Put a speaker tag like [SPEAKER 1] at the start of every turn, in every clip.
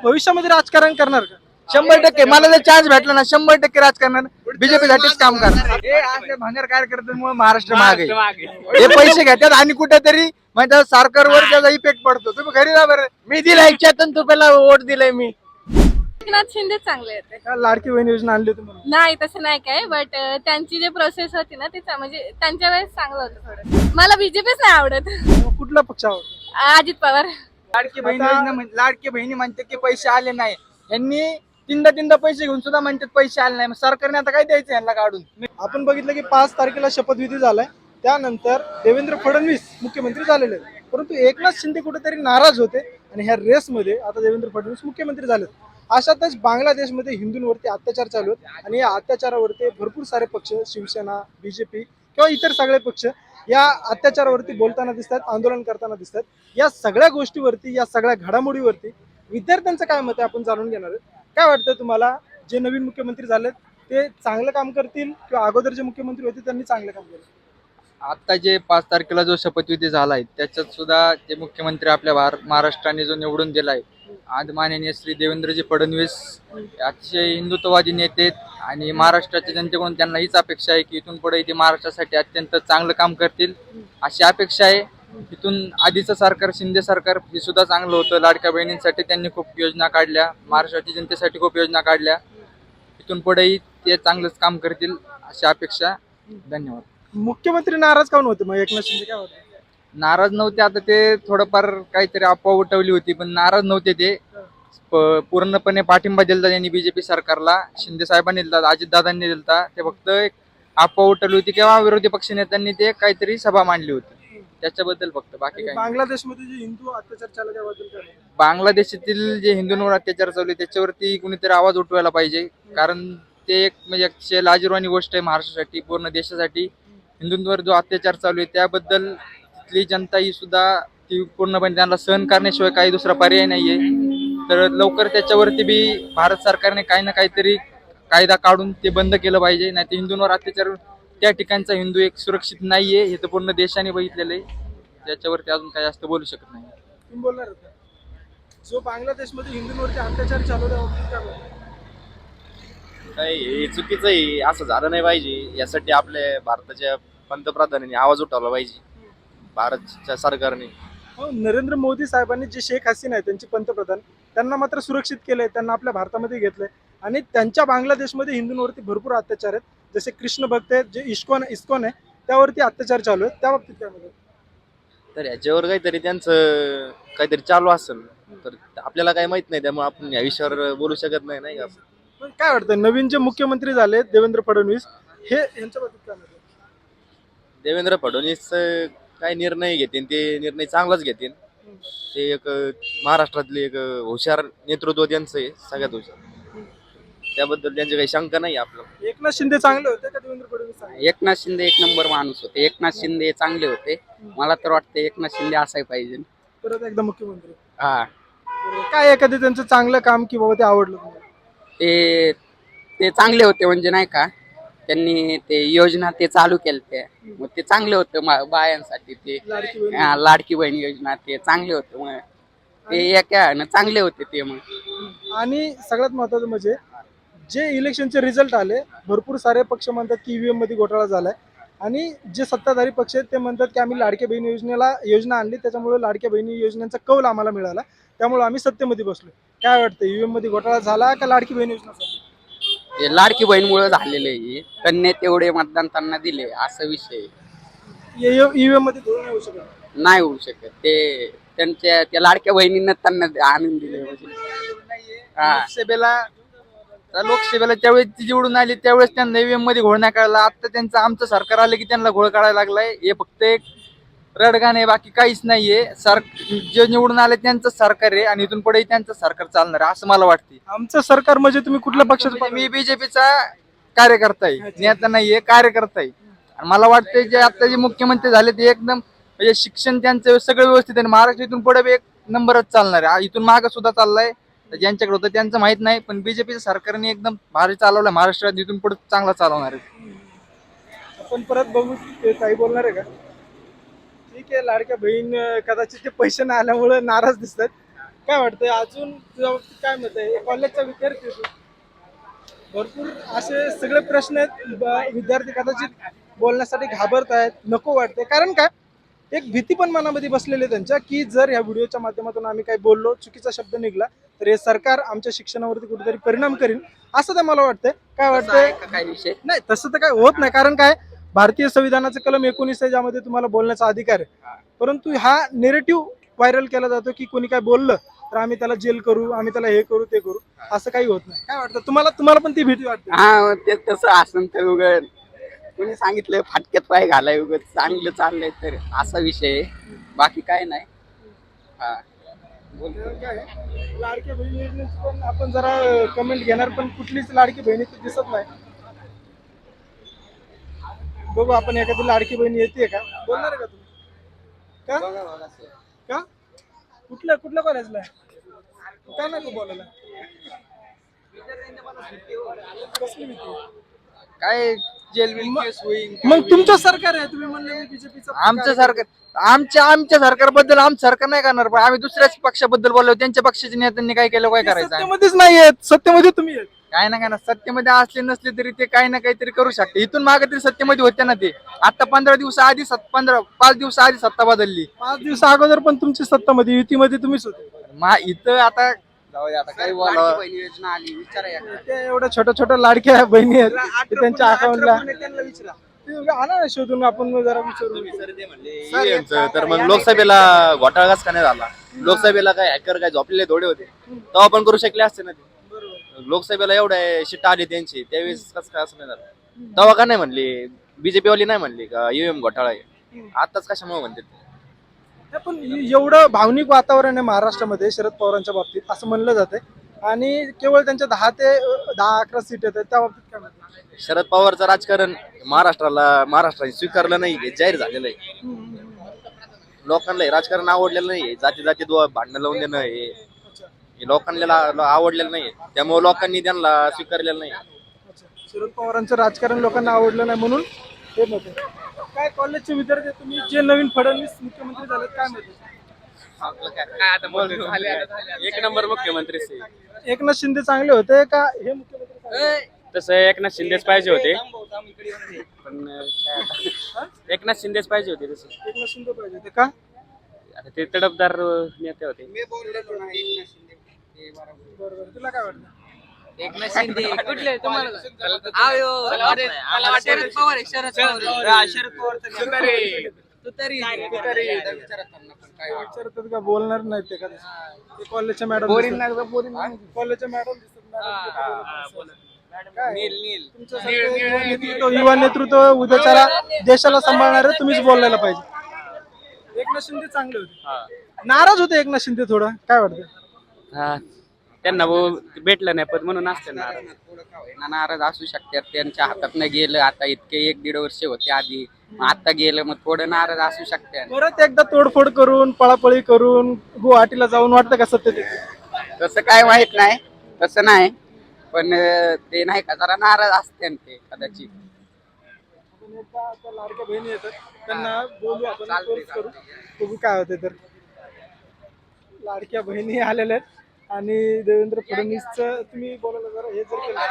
[SPEAKER 1] भविष्यामध्ये राजकारण करणार का?
[SPEAKER 2] 100% मला जर चान्स भेटला ना 100% राजकारण बीजेपी साठीच काम करणार. हे असे भंगार कार्यकर्त्यांमुळे महाराष्ट्र मागे हे पैसे घेतात आणि कुठेतरी म्हणजे सरकारवर त्याचा इफेक्ट पडतो. तुम्ही घरी जा बरं. मी दिला 171 रुपयाला वोट दिलाय मी.
[SPEAKER 3] एकनाथ शिंदे चांगले होते.
[SPEAKER 1] का लाडकी बहीण योजना आणली होती म्हणून?
[SPEAKER 3] नाही तसं नाही काय, बट त्यांची जे प्रोसेस होती ना म्हणजे त्यांच्या वेळेस चांगलं होतं थोडं. मला बीजेपीच नाही आवडत.
[SPEAKER 1] मग कुठला पक्ष आवडतो?
[SPEAKER 3] अजित पवार.
[SPEAKER 2] लाडकी बहीण योजना लाडकी बहिणी म्हणते की पैसे आले नाही. यांनी तीनदा पैसे घेऊन सुद्धा म्हणतात पैसे आले नाही. मग सरकारने आता काय द्यायचं यांना काढून?
[SPEAKER 1] आपण बघितलं की 5 तारखेला शपथविधी झालाय, त्यानंतर देवेंद्र फडणवीस मुख्यमंत्री झालेले आहेत. परंतु एकनाथ शिंदे कुठेतरी नाराज होते आणि ह्या रेसमध्ये आता देवेंद्र फडणवीस मुख्यमंत्री झालेत. अशातच बांगलादेशमध्ये हिंदूंवरती अत्याचार चालू आहेत आणि या अत्याचारावरती भरपूर सारे पक्ष, शिवसेना, बीजेपी किंवा इतर सगळे पक्ष या अत्याचारावरती बोलताना दिसतात, आंदोलन करताना दिसतात. या सगळ्या गोष्टीवरती, या सगळ्या घडामोडीवरती विद्यार्थ्यांचं काय मत आहे आपण जाणून घेणार आहोत. काय वाटतं तुम्हाला, जे नवीन मुख्यमंत्री झालेत ते चांगलं काम करतील किंवा अगोदर जे मुख्यमंत्री होते त्यांनी चांगलं काम केलं?
[SPEAKER 2] आता जे 5 तारखेला जो शपथविधी झालाय त्याच्यात सुद्धा जे मुख्यमंत्री आपल्या महाराष्ट्राने जो निवडून दिलाय आज माननीय श्री देवेंद्रजी फडणवीस अतिशय हिंदुत्ववादी नेते आहेत आणि महाराष्ट्राच्या जनतेकडून त्यांना हीच अपेक्षा आहे की इथून पुढे ते महाराष्ट्रासाठी अत्यंत चांगलं काम करतील अशी अपेक्षा आहे. इथून आधीचं सरकार, शिंदे सरकार हे सुद्धा चांगलं होतं. लाडक्या बहिणींसाठी त्यांनी खूप योजना काढल्या, महाराष्ट्राच्या जनतेसाठी खूप योजना काढल्या. इथून पुढेही ते चांगलंच काम करतील अशी अपेक्षा. धन्यवाद.
[SPEAKER 1] मुख्यमंत्री नाराज काऊन होते मग एकनाथ शिंदे? काय होते?
[SPEAKER 2] नाराज नव्हते, आता ते थोडंफार काहीतरी अफवा उठवली होती पण नाराज नव्हते ते. पूर्णपणे पाठिंबा दिलता त्यांनी बीजेपी सरकारला. शिंदे साहेबांनी दिलता, अजितदादांनी दिलता. ते फक्त एक अफवा उठवली होती किंवा विरोधी पक्षनेत्यांनी ते काहीतरी सभा मांडली होती त्याच्याबद्दल फक्त, बाकी काही.
[SPEAKER 1] बांगलादेशमध्ये जे हिंदू अत्याचार चालू आहे त्याबद्दल काय?
[SPEAKER 2] बांगलादेशातील जे हिंदूंवर अत्याचार चालू आहे त्याच्यावरती कुणीतरी आवाज उठवायला पाहिजे. कारण ते एक म्हणजे अतिशय लाजिरवाणी गोष्ट आहे महाराष्ट्रासाठी, पूर्ण देशासाठी. हिंदूंवर जो अत्याचार चालू आहे त्याबद्दल तिथली जनता ही सुद्धा ती पूर्णपणे त्यांना सहन करण्याशिवाय काही दुसरा पर्याय नाहीये. तर लवकर त्याच्यावरती बी भारत सरकारने काही ना काहीतरी कायदा काढून ते बंद केलं पाहिजे. नाही तर हिंदूंवर अत्याचार, त्या ठिकाणचा हिंदू एक सुरक्षित नाहीये हे तर पूर्ण देशाने बघितलेलं आहे. त्याच्यावरती अजून काही जास्त बोलू शकत नाही.
[SPEAKER 1] तुम्ही बोलणार होता जो बांगलादेशमध्ये हिंदूंवरती अत्याचार चालू आहे
[SPEAKER 4] नाही, हे चुकीचं आहे. असं झालं नाही पाहिजे. यासाठी आपल्या भारताच्या पंतप्रधानांनी आवाज उठवला पाहिजे, भारतच्या सरकारने.
[SPEAKER 1] नरेंद्र मोदी साहेबांनी जे शेख हसीना आहे त्यांची पंतप्रधान, त्यांना मात्र सुरक्षित केलंय, त्यांना आपल्या भारतामध्ये घेतलंय आणि त्यांच्या बांगलादेशमध्ये हिंदूंवरती भरपूर अत्याचार आहेत. जसे कृष्ण भक्त आहेत, जे इस्कॉन आहे त्यावरती अत्याचार चालू आहेत. त्या बाबतीत काय म्हणतात?
[SPEAKER 4] तर याच्यावर काहीतरी त्यांचं काहीतरी चालू असेल तर आपल्याला काही माहित नाही, त्यामुळे आपण या विषयावर बोलू शकत नाही, नाही का?
[SPEAKER 1] पण काय वाटतं, नवीन जे मुख्यमंत्री झाले देवेंद्र फडणवीस, हे यांच्या बाबतीत काय म्हणतात?
[SPEAKER 4] देवेंद्र फडणवीस काय निर्णय घेतील ते निर्णय चांगलाच घेतील. ते एक महाराष्ट्रातले एक हुशार नेतृत्व त्यांचं आहे, सगळ्यात हुशार. त्याबद्दल त्यांची काही शंका नाही आपल्याला.
[SPEAKER 1] एकनाथ शिंदे चांगले होते का देवेंद्र फडणवीस चांगले?
[SPEAKER 5] एकनाथ शिंदे एक नंबर माणूस होते. एकनाथ शिंदे चांगले होते. मला तर वाटतं एकनाथ शिंदे असाय पाहिजे.
[SPEAKER 1] परत एकदा मुख्यमंत्री.
[SPEAKER 5] हा,
[SPEAKER 1] काय एखादं त्यांचं चांगलं काम की बाबा ते आवडलं तुम्हाला?
[SPEAKER 5] ते चांगले होते म्हणजे नाही का, त्यांनी ते योजना ते चालू केल्या मग ते चांगले होते बायांसाठी. ते
[SPEAKER 1] लाडकी बहीण.
[SPEAKER 5] लाडकी बहीण योजना ते चांगले होते. मग ते एका चांगले होते ते. मग
[SPEAKER 1] आणि सगळ्यात महत्वाचं म्हणजे जे इलेक्शनचे रिझल्ट आले, भरपूर सारे पक्ष म्हणतात की ईव्हीएम मध्ये घोटाळा झालाय आणि जे सत्ताधारी पक्ष आहेत ते म्हणतात की आम्ही लाडक्या बहीण योजना आणली, त्याच्यामुळे लाडक्या बहिणी योजनेचा कौल आम्हाला मिळाला, त्यामुळे आम्ही सत्तेमध्ये बसलो. काय वाटतं, ईव्हीएम मध्ये घोटाळा झाला का लाडकी बहीण योजना?
[SPEAKER 5] ते लाडकी बहीणमुळे झालेले आहे. त्यांनी तेवढे मतदान त्यांना दिले असा विषय.
[SPEAKER 1] ईव्हीएम मध्ये धोरण होऊ शकत
[SPEAKER 5] नाही होऊ शकत. ते त्यांच्या त्या लाडक्या बहिणींना त्यांना आनंद दिले म्हणजे.
[SPEAKER 2] लोकसभेला त्यावेळेस ती निवडून आली त्यावेळेस त्यांना ईव्हीएम मध्ये घोळ नाही काढला. आता त्यांचं आमचं सरकार आलं की त्यांना घोळ काढायला लागलाय. हे फक्त एक रडगाण आहे, बाकी काहीच नाहीये. जे निवडून आले त्यांचं सरकार आहे आणि इथून पुढे त्यांचं सरकार चालणार आहे असं मला वाटते.
[SPEAKER 1] आमचं सरकार म्हणजे तुम्ही कुठल्या पक्षाचं?
[SPEAKER 2] मी बीजेपीचा कार्यकर्ता आहे, नेता नाहीये, कार्यकर्ता आहे. आणि मला वाटतं जे आता जे मुख्यमंत्री झाले ते एकदम म्हणजे शिक्षण त्यांचं सगळं व्यवस्थित आहे. महाराष्ट्र इथून पुढे एक नंबरच चालणार आहे. इथून मागं सुद्धा चाललाय. ज्यांच्याकडे होतं त्यांचं माहित नाही, पण बीजेपीच्या सरकारने एकदम भारी चालवलं महाराष्ट्रात. इथून पुढे चांगला चालवणार आहे.
[SPEAKER 1] आपण परत बघू ते काही बोलणार आहे का? ठीक आहे, लाडक्या बहीण कदाचित ते पैसे नाही आल्यामुळे नाराज दिसतात. काय वाटतंय अजून तुझ्या बाबतीत काय मत आहे? कॉलेजचा विद्यार्थी आहे तू. भरपूर असे सगळे प्रश्न आहेत. विद्यार्थी कदाचित बोलण्यासाठी घाबरत आहेत, नको वाटते. कारण काय, एक भीती पण मनामध्ये बसलेली आहे त्यांच्या, की जर या व्हिडिओच्या माध्यमातून आम्ही काही बोललो, चुकीचा शब्द निघाला तर हे सरकार आमच्या शिक्षणावरती कुठेतरी परिणाम करेल, असं तर मला वाटतंय. काय
[SPEAKER 5] तसं
[SPEAKER 1] वाटतंय?
[SPEAKER 5] आहे का काही विषय?
[SPEAKER 1] नाही, तसं तर काय होत नाही. कारण काय, भारतीय संविधानाचं कलम 19 आहे, ज्यामध्ये तुम्हाला बोलण्याचा अधिकार आहे. परंतु हा नेरेटिव्ह व्हायरल केला जातो की कोणी काय बोललं तर आम्ही त्याला जेल करू, आम्ही त्याला हे करू ते करू. असं काही होत नाही. काय वाटतं तुम्हाला? तुम्हाला पण ती भीती वाटते?
[SPEAKER 5] हा ते तसं असं तर उगत कोणी सांगितलं फाटक्यात पाय घालाय उगत चांगलं चाललंय तर असा विषय आहे. बाकी काय नाही. हा बोल.
[SPEAKER 1] काय आहे, लाडक्या बहिणी योजनेची पण आपण जरा कमेंट घेणार, पण कुठलीच लाडकी बहिणी तर दिसत नाही. बघू आपण एखादी लाडकी बहिणी येते का, बोलणार आहे का तुम्ही? का कुठल्या कुठल्या कॉलेजला का नको बोलायला? कसली भीती?
[SPEAKER 2] काय जेल बिल केस होईल.
[SPEAKER 1] मग तुमचं सरकार आहे, तुम्ही म्हणले बीजेपीचं.
[SPEAKER 2] आमचं सरकार आमच्या सरकारबद्दल आमचं सरकार नाही करणार, पण आम्ही दुसऱ्याच पक्षाबद्दल बोललो. त्यांच्या पक्षाच्या नेत्यांनी काय केलं, काय करायचं आम्ही?
[SPEAKER 1] सत्तेमध्येच नाही आहेत, सत्तेमध्ये तुम्ही आहेत.
[SPEAKER 2] काय ना काय ना, सत्तेमध्ये असले नसले तरी ते काही ना काहीतरी करू शकते. इथून मागे तरी सत्तेमध्ये होते ना ते. आता 15 दिवस आधी 5 दिवस आधी सत्ता बदलली.
[SPEAKER 1] 5 दिवस अगोदर पण तुमची सत्तामध्ये युतीमध्ये तुम्हीच होते.
[SPEAKER 2] इथं आता जाऊ दे, आता काही
[SPEAKER 5] लाडकी
[SPEAKER 2] बोलावं.
[SPEAKER 5] बहीण योजना आली विचारा एकदा.
[SPEAKER 1] त्या एवढ्या छोट्या छोट्या लाडक्या बहिणी आहेत ते त्यांच्या अकाउंटला आणा ना शोधून, आपण जरा विचारू.
[SPEAKER 4] EVM चं तर मग लोकसभेला घोटाळाच का नाही झाला? लोकसभेला काय हॅकर काय झोपलेले थोडे होते, तेव्हा पण करू शकले असते ना ते. लोकसभेला एवढ्या शिट्टा आली त्यांची, त्यावेळेस कसं काय असं नाही झालं? तेव्हा का नाही म्हणली बीजेपी वाली, नाही म्हणली का EVM घोटाळा आहे? आताच कशामुळे म्हणते ते?
[SPEAKER 1] नाही, पण एवढं भावनिक वातावरण आहे महाराष्ट्रामध्ये शरद पवारांच्या बाबतीत असं म्हणलं जाते, आणि केवळ त्यांच्या 10 ते 11 सीट आहेत. त्या बाबतीत काय म्हणतात?
[SPEAKER 4] शरद पवारचं राजकारण महाराष्ट्राने स्वीकारलं नाही, हे जाहीर झालेलं आहे. लोकांना हे राजकारण आवडलेलं नाही. जाती जातीत भांडणं लावून देणं हे लोकांना आवडलेलं नाही. त्यामुळे लोकांनी त्यांना स्वीकारलेलं नाही.
[SPEAKER 1] अच्छा, शरद पवारांचं राजकारण लोकांना आवडलं नाही म्हणून हे मत आहे. काय कॉलेजचे विद्यार्थी आहेत तुम्ही, जे नवीन फडणवीस मुख्यमंत्री झालेत, काय मत आहे?
[SPEAKER 6] एक नंबर मुख्यमंत्री
[SPEAKER 1] एकनाथ शिंदे चांगले होते का हे मुख्यमंत्री चांगले होते?
[SPEAKER 6] तसं एकनाथ शिंदेच पाहिजे होते, पण एकनाथ शिंदेच पाहिजे होते तसं.
[SPEAKER 1] एकनाथ शिंदे पाहिजे होते का?
[SPEAKER 6] आता ते तडफदार नेते होते.
[SPEAKER 1] बरोबर, तुला काय वाटतं?
[SPEAKER 5] एकनाथ शिंदे कुठले तुम्हाला
[SPEAKER 1] विचारतात का, बोलणार नाहीत ते का? ते कॉलेजच्या मॅडम कॉलेजच्या मॅडम युवा नेतृत्व उद्याच्याला देशाला सांभाळणार आहे, तुम्हीच बोलायला पाहिजे. एकनाथ शिंदे चांगले होते, नाराज होते एकनाथ शिंदे थोडं, काय वाटतं?
[SPEAKER 6] हा, त्यांना भेटलं नाही पण म्हणून असते नाराज.
[SPEAKER 5] नाराज असू शकतात, त्यांच्या हातात नाही गेलं. आता इतके 1-1.5 वर्ष होते आधी, आता गेलं मग थोडं नाराज असू शकतात.
[SPEAKER 1] परत एकदा तोडफोड करून, पळापळी करून गुवाहाटीला जाऊन वाटतं का सत्य ते?
[SPEAKER 5] तसं काय वाईट नाही, तसं नाही, पण ते नाही का जरा नाराज असते ते कदाचित.
[SPEAKER 1] लाडक्या बहिणी येतात, त्यांना बोलू आपण, फोर्स करू, बघू काय होते. तर लाडक्या बहिणी आलेल्या आहेत आणि देवेंद्र फडणवीसचं तुम्ही बोलायला जरा हे जर केलं,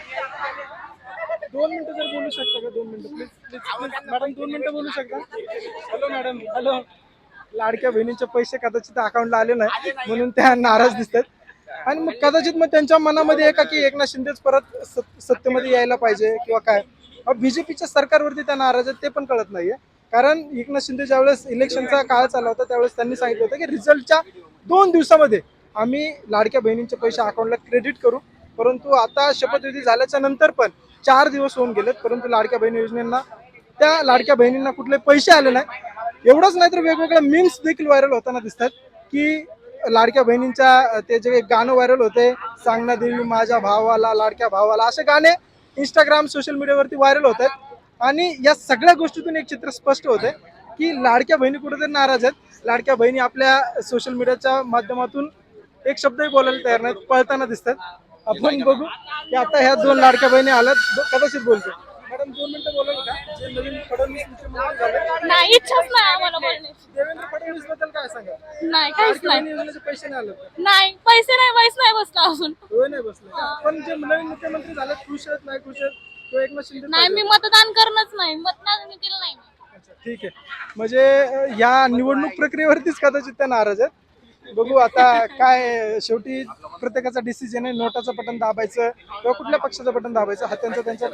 [SPEAKER 1] 2 मिनिटं जर बोलू शकता का? 2 मिनिटं प्लीज प्लीज प्लीज मॅडम, 2 मिनिटं बोलू शकता? Hello madam, hello. लाडक्या बहिणींचे पैसे कदाचित अकाउंटला आले नाही म्हणून त्या नाराज दिसतात, आणि मग कदाचित मग त्यांच्या मनामध्ये आहे का की एकनाथ शिंदेच परत सत्तेमध्ये यायला पाहिजे किंवा काय? बीजेपीच्या सरकारवरती त्या नाराज आहेत, ते पण कळत नाहीये. कारण एकनाथ शिंदे ज्यावेळेस इलेक्शनचा काळ चालला होता त्यावेळेस त्यांनी सांगितलं होतं की रिझल्टच्या 2 दिवसामध्ये आम्ही लाडक्या बहिणींचे पैसे अकाउंटला क्रेडिट करू. परंतु आता शपथविधी झाल्याच्या नंतर पण 4 दिवस होऊन गेलेत, परंतु लाडक्या बहिणी योजनेला त्या लाडक्या बहिणींना कुठले पैसे आले नाही. एवढंच नाही तर वेगवेगळ्या मीम्स देखील व्हायरल होताना दिसतात की लाडक्या बहिणींच्या ते जे गाणं व्हायरल होते, सांगना देवी माझ्या भावाला, लाडक्या भावाला, असे गाणे इंस्टाग्राम सोशल मीडियावरती व्हायरल होत आहेत. आणि या सगळ्या गोष्टीतून एक चित्र स्पष्ट होते की लाडक्या बहिणी कुठेतरी नाराज आहेत. लाडक्या बहिणी आपल्या सोशल मीडियाच्या माध्यमातून एक शब्दही बोलायला तयार नाहीत, पळताना दिसतात. आपण बघू की आता ह्या 2 लाडक्या बहिणी आल्यात, कदाचित बोलतो. मॅडम 2 मिनिटं बोलाल का? जे नवीन फडणवीस मुख्यमंत्री झाले,
[SPEAKER 3] नाही, इच्छाच नाही आम्हाला बोलण्याची.
[SPEAKER 1] देवेंद्र फडणवीस बद्दल काय सांगा?
[SPEAKER 3] नाही, काहीच
[SPEAKER 1] लाडक्या
[SPEAKER 3] नाही.
[SPEAKER 1] बहिणी योजनेचे पैसे नाही आले का?
[SPEAKER 3] नाही, पैसे नाही, वयस नाही बसला अजून.
[SPEAKER 1] होय नाही बसले का? पण जे नवीन मुख्यमंत्री झाले खुश आहेत नाही खुश आहेत तो एकनाथ शिंदे
[SPEAKER 3] नाही, मी मतदान करणंच नाही, मतदान मी केलं नाही.
[SPEAKER 1] अच्छा, ठीक आहे. म्हणजे या निवडणूक प्रक्रियेवरतीच कदाचित त्या नाराज आहेत. बघू आता काय, शेवटी प्रत्येकाचा डिसिजन आहे. नोटाचं बटन दाबायचं किंवा कुठल्या पक्षाचं बटन दाबायचं हा त्यांचा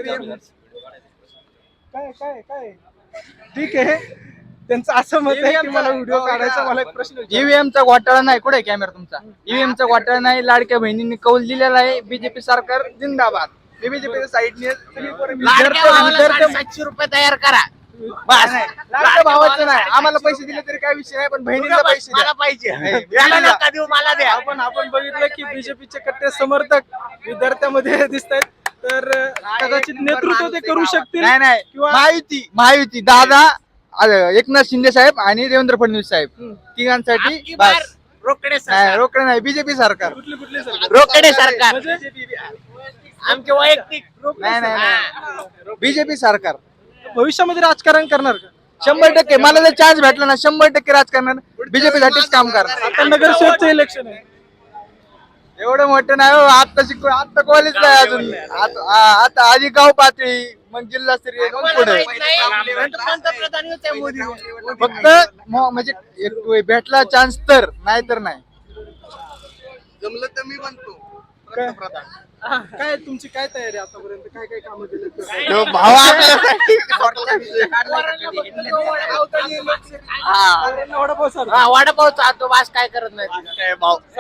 [SPEAKER 1] काय काय काय ठीक आहे. त्यांचं असं मत आहे की मला व्हिडिओ काढायचा. मला एक प्रश्न विचारा.
[SPEAKER 2] ईव्हीएमचा घोटाळा नाही, कुठे कॅमेरा तुमचा? ईव्हीएमचा घोटाळा नाही, लाडक्या बहिणींनी कौल दिलेला आहे. बीजेपी सरकार जिंदाबाद. बीजेपीच्या साईडने
[SPEAKER 5] 700 रुपये तयार करा. बस
[SPEAKER 2] लाडक्या भावाचं नाही, आम्हाला पैसे दिले तरी काय विषय नाही, पण बहिणीला पैसे द्या.
[SPEAKER 5] मला पाहिजे, याला नका देऊ, मला द्या.
[SPEAKER 1] आपण बघितलं की बीजेपीचे कट्टे समर्थक विद्यार्थ्यामध्ये दिसत आहेत. तर कदाचित नेतृत्व ते करू शकतील.
[SPEAKER 2] नाही नाही,
[SPEAKER 1] किंवा
[SPEAKER 2] महायुती दादा, एकनाथ शिंदे साहेब आणि देवेंद्र फडणवीस साहेब तिघांसाठी
[SPEAKER 5] आपकी बार
[SPEAKER 2] बस.
[SPEAKER 5] रोकडे
[SPEAKER 2] नाही,
[SPEAKER 5] सरकार,
[SPEAKER 2] रोकडे नाही, बीजेपी सरकार.
[SPEAKER 1] कुठली सरकार?
[SPEAKER 5] रोकडे सरकार,
[SPEAKER 1] म्हणजे
[SPEAKER 5] आमचे वैयक्तिक.
[SPEAKER 2] नाही नाही नाही, बीजेपी सरकार
[SPEAKER 1] भविष्यामध्ये राजकारण करणार का?
[SPEAKER 2] 100%. मला जर चान्स भेटला ना 100% राजकारण बीजेपी साठीच काम करणार.
[SPEAKER 1] आता नगरसेवकचं इलेक्शन आहे.
[SPEAKER 2] एवढं मोठं नाही हो, आता कॉलेजला आहे अजून. आता आधी गाव पातळी, मग जिल्हास्तरीय, मग पुढे.
[SPEAKER 5] पंतप्रधान होते मोदी.
[SPEAKER 2] फक्त म्हणजे एक भेटला चान्स तर, नाही तर नाही.
[SPEAKER 5] जमलं तर मी बनतो
[SPEAKER 1] काय काय तुमची काय तयारी आहे आतापर्यंत? काय काय कामं केली?
[SPEAKER 2] भाव आपल्यासाठी
[SPEAKER 5] वडापाव चालतो, बास काय करत नाही.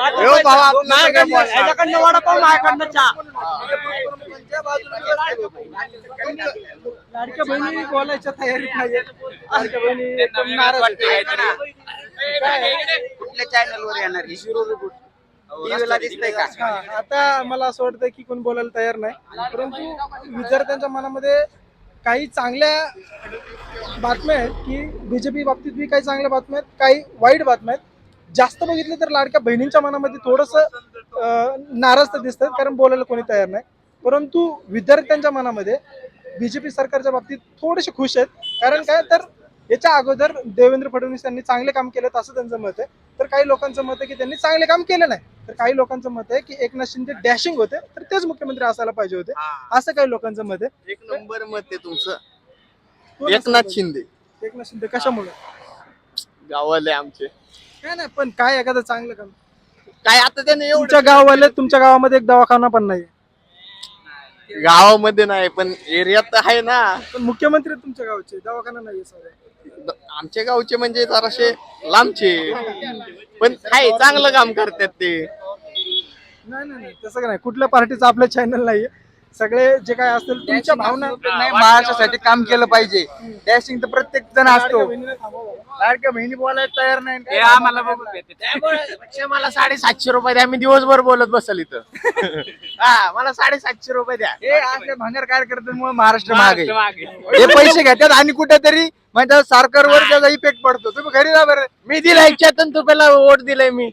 [SPEAKER 1] लाडक्या बहिणी बोलायच्या तयारीत नाहीये. लाडक्या बहिणी एकदम नाराज आहेत.
[SPEAKER 5] कुठल्या चॅनलवर येणार टीव्हीला दिसतंय का?
[SPEAKER 1] हा, आता मला असं वाटतं की कोण बोलायला तयार नाही. परंतु विद्यार्थ्यांच्या मनामध्ये काही चांगल्या बातम्या आहेत की बीजेपी बाबतीत बी काही चांगल्या बातम्या आहेत, काही वाईट बातम्या आहेत. जास्त बघितलं तर लाडक्या बहिणींच्या मनामध्ये थोडंसं नाराज तर दिसतात, कारण बोलायला कोणी तयार नाही. परंतु विद्यार्थ्यांच्या मनामध्ये बीजेपी सरकारच्या बाबतीत थोडेसे खुश आहेत. कारण काय, तर याच्या अगोदर देवेंद्र फडणवीस यांनी चांगले काम केलं असं त्यांचं मत आहे. तर काही लोकांचं मत आहे की त्यांनी चांगले काम केलं नाही. तर काही लोकांचं मत आहे की एकनाथ शिंदे डॅशिंग होते, तर तेच मुख्यमंत्री असायला पाहिजे होते, असं काही लोकांचं मत आहे.
[SPEAKER 4] एक नंबर मत आहे तुमचं.
[SPEAKER 1] कोण
[SPEAKER 4] एकनाथ
[SPEAKER 1] असायला
[SPEAKER 4] शिंदे
[SPEAKER 1] पाहिजे? एकनाथ शिंदे कशामुळे?
[SPEAKER 4] गावाले आमचे
[SPEAKER 1] काय नाही, पण काय एखादं चांगलं काम?
[SPEAKER 4] काय आता त्याने
[SPEAKER 1] तुमच्या गाववाले, तुमच्या गावामध्ये एक दवाखाना पण नाही,
[SPEAKER 4] गावामध्ये नाही पण एरियात आहे ना.
[SPEAKER 1] पण मुख्यमंत्री तुमच्या गावचे, दवाखाना नाही सर.
[SPEAKER 4] आमच्या गावचे म्हणजे जराशे लांबचे, पण आहे चांगलं काम करतात ते.
[SPEAKER 1] नाही नाही नाही, तसं नाही. कुठल्या पार्टीचं आपलं चॅनल नाहीये. सगळे जे काय असतील तुमच्या भावना.
[SPEAKER 2] नाही, महाराष्ट्रासाठी काम केलं पाहिजे. डॅशिंग तर प्रत्येक जण असतो. लाडक्या बहिणी बोलायला तयार नाही.
[SPEAKER 6] आम्हाला बघून भेटते.
[SPEAKER 5] त्यामुळे मला 750 रुपये द्या, मी दिवसभर बोलत बसल इथं. हा, मला 750 रुपये द्या.
[SPEAKER 2] हे आपल्या भांगर कार्यकर्त्यांमुळे महाराष्ट्र मागे
[SPEAKER 6] मागे.
[SPEAKER 2] हे पैसे घेतात आणि कुठेतरी म्हणजे सरकारवर त्याचा इफेक्ट पडतो. तुम्ही घरी जा बरं.
[SPEAKER 5] मी दिलाय 71 रुपयाला वोट दिलाय मी.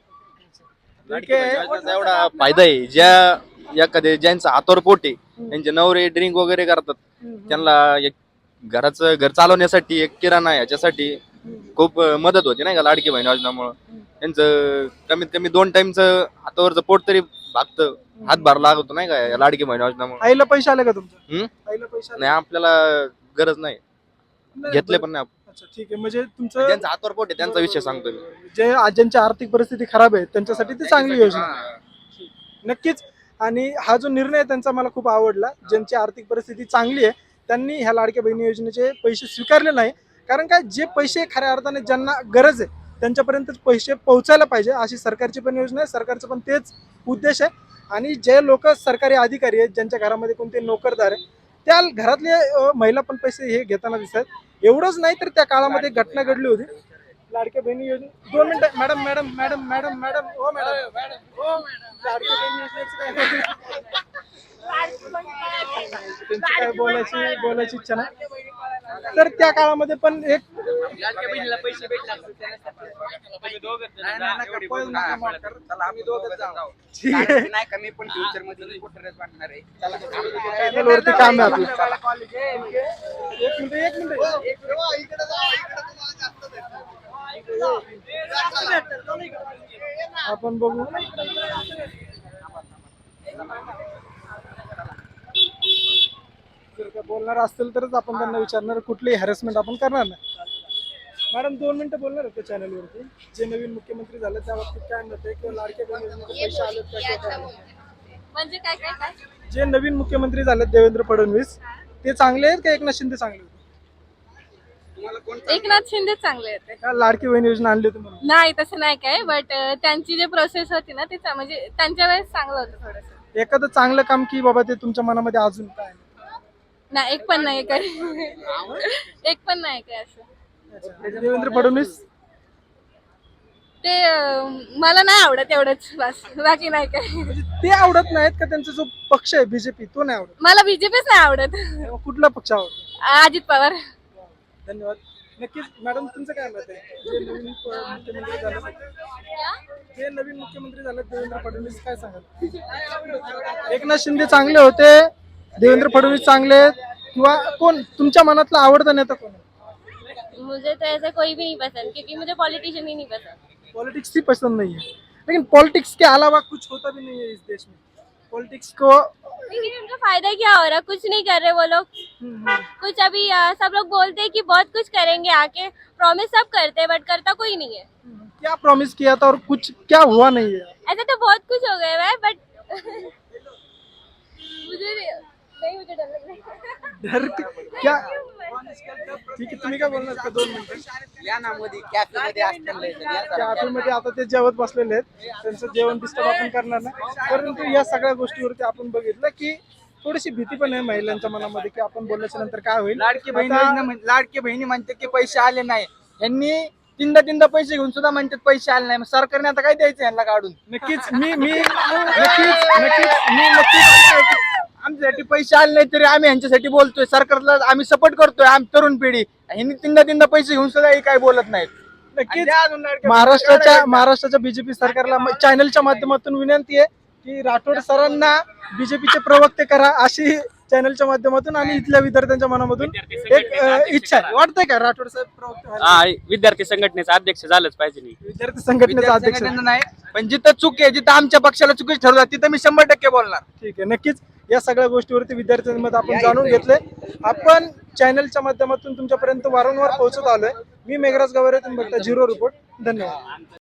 [SPEAKER 4] एवढा फायदा आहे. एखाद्या ज्यांचं हातावर पोट आहे, त्यांचे नवरे ड्रिंक वगैरे करतात, त्यांना एक घर चालवण्यासाठी, एक किराणा याच्यासाठी खूप मदत होते नाही का लाडकी बहीण योजनामुळं. त्यांचं कमीत कमी 2 टाइमचं हातावरचं पोट तरी भागतं, हातभार लागतो नाही का या लाडकी बहीण योजनामुळे.
[SPEAKER 1] आईला पैसे आले का तुमच्या?
[SPEAKER 4] हम्म?
[SPEAKER 1] आईला पैसे आले?
[SPEAKER 4] नाही आपल्याला गरज नाही, घेतले पण नाही.
[SPEAKER 1] अच्छा, ठीक आहे. म्हणजे तुमचं
[SPEAKER 4] ज्यांचं हातावर पोट आहे त्यांचा विषय सांगतो मी.
[SPEAKER 1] जे ज्यांची आर्थिक परिस्थिती खराब आहे त्यांच्यासाठी ती चांगली योजना आहे. नक्कीच. आणि हा जो निर्णय आहे त्यांचा मला खूप आवडला. ज्यांची आर्थिक परिस्थिती चांगली आहे त्यांनी ह्या लाडक्या बहिणी योजनेचे पैसे स्वीकारले नाही. कारण काय, जे पैसे खऱ्या अर्थाने ज्यांना गरज आहे त्यांच्यापर्यंत पैसे पोहोचायला पाहिजे, अशी सरकारची पण योजना आहे. सरकारचं पण तेच उद्देश आहे. आणि जे लोक सरकारी अधिकारी आहेत, ज्यांच्या घरामध्ये कोणते नोकरदार आहे, त्या घरातले महिला पण पैसे हे घेताना दिसतात. एवढंच नाही तर त्या काळामध्ये एक घटना घडली होती लाडक्या बहिणी योजना. 2 मिनिटं madam madam madam madam madam ओ मॅडम ओ मॅडम, लाडक्या बहिणी योजनेचं त्यांची काय बोलायची इच्छा नाही. तर त्या काळामध्ये पण एक ठीक आहे.
[SPEAKER 5] नाही का मी पण फ्युचर मध्ये कुठेच वाटणार आहे. चला.
[SPEAKER 1] चॅनल वरती काम आहे आपलं. एक मिनिट आपण बघू. जर का बोलणार असतील तरच आपण त्यांना विचारणार, कुठलीही हॅरेसमेंट आपण करणार नाही. मॅडम 2 मिनिटं बोलणार आहेत चॅनल वरती. जे नवीन मुख्यमंत्री झाले त्या बाबतीत काय मत आहे, किंवा लाडक्या बहिणी योजनेचे पैसे आलेत का किंवा काय नाही?
[SPEAKER 3] म्हणजे काय काय काय
[SPEAKER 1] जे नवीन मुख्यमंत्री झालेत देवेंद्र फडणवीस, ते चांगले आहेत का एकनाथ शिंदे चांगले आहेत?
[SPEAKER 3] एकनाथ शिंदे चांगले आहेत.
[SPEAKER 1] का लाडकी बहीण योजना आणली होती म्हणून?
[SPEAKER 3] नाही तसं नाही काय, बट त्यांची जे प्रोसेस होती ना ते म्हणजे त्यांच्या वेळेस चांगलं होतं थोडंसं.
[SPEAKER 1] एखादं चांगलं काम की बाबा ते तुमच्या मनामध्ये अजून काय नाही?
[SPEAKER 3] नाही एक पण नाही काय एक पण नाही काय असं.
[SPEAKER 1] देवेंद्र फडणवीस
[SPEAKER 3] ते मला नाही आवडत एवढंच, बस बाकी नाही काय.
[SPEAKER 1] म्हणजे ते आवडत नाहीत का, त्यांचा जो पक्ष आहे बीजेपी तो नाही आवडत?
[SPEAKER 3] मला बीजेपीच नाही आवडत.
[SPEAKER 1] मग कुठला पक्ष आवडतो?
[SPEAKER 3] अजित पवार.
[SPEAKER 1] धन्यवाद. नक्कीच मॅडम, तुमचं काय मत आहे? जे नवीन मुख्यमंत्री झाले, जे नवीन मुख्यमंत्री झाले देवेंद्र फडणवीस, काय सांगाल? एकनाथ शिंदे चांगले होते, देवेंद्र फडणवीस चांगले आहेत, किंवा कोण तुमच्या मनातला आवडता नेता कोण आहे?
[SPEAKER 3] मुझे तो ऐसा कोई भी नहीं पसंद, क्योंकि मुझे पॉलिटिशियन ही नहीं पसंद.
[SPEAKER 1] पॉलिटिक्स ही पसंद नहीं है, लेकिन पॉलिटिक्स के अलावा कुछ होता भी नहीं है इस देश में. पॉलिटिक्स को
[SPEAKER 3] लेकिन उनका फायदा क्या हो रहा है? कुछ नहीं कर रहे वो लोग. कुछ अभी सब लोग बोलते हैं कि बहुत कुछ करेंगे आके, प्रॉमिस सब करते हैं बट करता कोई नहीं है.
[SPEAKER 1] क्या प्रॉमिस किया था और कुछ क्या हुआ नहीं है?
[SPEAKER 3] ऐसा तो बहुत कुछ हो गया है बट मुझे डर लग रहा है.
[SPEAKER 1] डर क्या? ठीक आहे, तुम्ही काय बोलणार का? 2 मिनिटं.
[SPEAKER 5] या ना मध्ये कॅफे मध्ये असतील
[SPEAKER 1] कॅफेमध्ये आता ते जेवत बसलेले आहेत, त्यांचं जेवण डिस्टर्ब आपण करणार नाही. परंतु या सगळ्या गोष्टीवरती आपण बघितलं की थोडीशी भीती पण आहे महिलांच्या मनामध्ये की आपण बोलल्याच्या नंतर काय होईल.
[SPEAKER 7] लाडकी बहिणी
[SPEAKER 1] आता-
[SPEAKER 7] योजना लाडकी बहिणी म्हणते की पैसे आले नाही, यांनी तीनदा पैसे घेऊन सुद्धा म्हणतात पैसे आले नाही. मग सरकारने आता काय द्यायचं यांना काढून?
[SPEAKER 1] नक्कीच नक्कीच
[SPEAKER 7] आमच्यासाठी पैसे आले नाही तरी आम्ही यांच्यासाठी बोलतोय, सरकारला आम्ही सपोर्ट करतोय. आम्ही तरुण पिढी, यांनी तीनदा पैसे घेऊन सुद्धा हे काय बोलत नाहीत.
[SPEAKER 1] नक्कीच
[SPEAKER 7] आणि द्या अजून लाडक्या
[SPEAKER 1] महाराष्ट्राच्या बीजेपी सरकारला चॅनलच्या माध्यमातून विनंती आहे की राठोड सरांना बीजेपीचे प्रवक्ते करा, अशी चॅनलच्या माध्यमातून आणि इथल्या विद्यार्थ्यांच्या मनामधून एक इच्छा आहे. वाटतंय का राठोड साहेब प्रवक्ते व्हायला?
[SPEAKER 6] विद्यार्थी संघटनेचा अध्यक्ष झालंच पाहिजे. नाही
[SPEAKER 1] विद्यार्थी संघटनेचा अध्यक्ष?
[SPEAKER 7] संघटनेचं नाही, पण जिथं चूक आहे, जिथं आमच्या पक्षाला चुकीच ठरवतात तिथं मी 100% बोलणार.
[SPEAKER 1] ठीक आहे, नक्कीच या सगळ्या गोष्टीवरती विद्यार्थ्यांमध्ये आपण जाणून घेतले. आपण चॅनलच्या माध्यमातून तुमच्यापर्यंत वारंवार पोहोचत आलोय. मी मेघराज गवारे, तुम्ही बघता झिरो रिपोर्ट. धन्यवाद.